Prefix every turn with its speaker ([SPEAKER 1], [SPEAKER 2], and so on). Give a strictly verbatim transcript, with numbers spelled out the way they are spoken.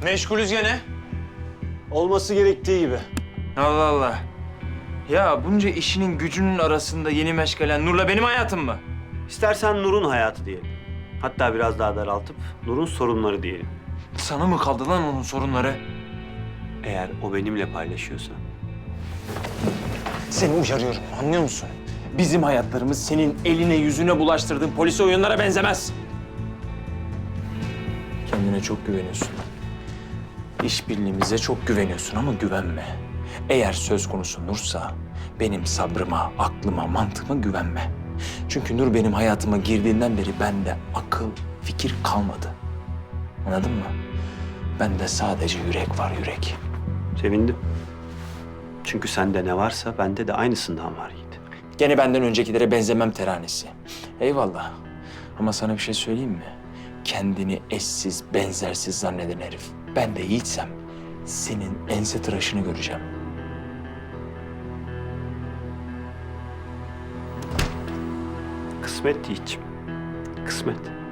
[SPEAKER 1] Meşgulüz gene.
[SPEAKER 2] Olması gerektiği gibi.
[SPEAKER 1] Allah Allah. Ya bunca işinin gücünün arasında yeni meşgalen Nur'la benim hayatım mı?
[SPEAKER 2] İstersen Nur'un hayatı diyelim. Hatta biraz daha daraltıp Nur'un sorunları diyelim.
[SPEAKER 1] Sana mı kaldı lan onun sorunları?
[SPEAKER 2] Eğer o benimle paylaşıyorsa.
[SPEAKER 1] Seni uyarıyorum, anlıyor musun? Bizim hayatlarımız senin eline yüzüne bulaştırdığın polisi oyunlara benzemez. Kendine çok güveniyorsun. İşbirliğimize çok güveniyorsun ama güvenme. Eğer söz konusu Nur'sa benim sabrıma, aklıma, mantığıma güvenme. Çünkü Nur benim hayatıma girdiğinden beri bende akıl, fikir kalmadı. Anladın mı? Bende sadece yürek var, yürek.
[SPEAKER 2] Sevindim. Çünkü sende ne varsa bende de aynısından var Yiğit.
[SPEAKER 1] Gene benden öncekilere benzemem teranesi. Eyvallah. Ama sana bir şey söyleyeyim mi? Kendini eşsiz, benzersiz zanneden herif. Ben de Yiğitsem senin ense tıraşını göreceğim.
[SPEAKER 2] Kısmet Yiğit'ciğim. Kısmet.